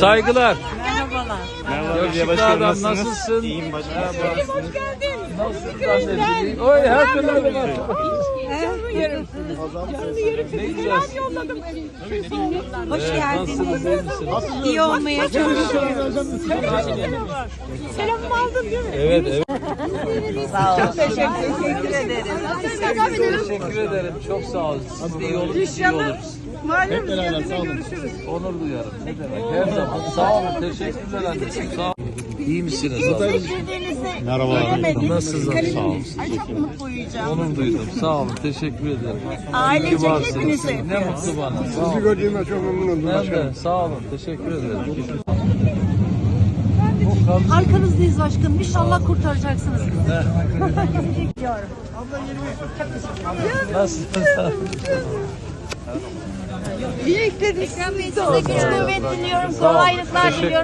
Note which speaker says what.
Speaker 1: Saygılar.
Speaker 2: Merhabalar.
Speaker 1: Yakışıklı adam nasılsın?
Speaker 2: İyiyim başkanım.
Speaker 3: Hoş geldin.
Speaker 1: Nasılsın anneciğim? Oy her türlü var.
Speaker 3: Canlı yerim. Canlı yerim.
Speaker 1: Ne güzel.
Speaker 3: Yolladım.
Speaker 1: Hoş geldiniz.
Speaker 3: İyi olmaya çalışıyorum. Selamımı aldın değil mi?
Speaker 1: Evet evet.
Speaker 3: Sağ ol. Çok teşekkür ederim.
Speaker 1: Teşekkür ederim. Çok sağ olun. Siz de iyi olun. Biz de iyi oluruz.
Speaker 3: Malum geldiğinde görüşürüz.
Speaker 1: Onur duyarım. Ne demek? Her zaman. Sağ olun. Teşekkürler anneciğim. Sağ olun. İyi misiniz abi?
Speaker 2: Merhaba.
Speaker 1: Nasılsınız? Sağ olun.
Speaker 3: Ay çok mutlu uyuyacağım.
Speaker 1: Onur duydum. Sağ olun. Teşekkür ederim.
Speaker 3: Ailecek
Speaker 1: İyi ki varsınız.
Speaker 3: hepinize.
Speaker 1: Ne mutlu bana. Sağ
Speaker 4: Sizi
Speaker 1: olun.
Speaker 4: gördüğüme çok memnun oldum.
Speaker 1: Ben de. Sağ olun. Teşekkür ederim.
Speaker 5: Arkanızdayız başkanım. İnşallah kurtaracaksınız.
Speaker 1: Nasılsınız?
Speaker 3: Dilekleriniz
Speaker 5: Ekrem Bey size güç kuvvet diliyorum. Kolaylıklar
Speaker 1: Teşekkür
Speaker 5: diliyorum.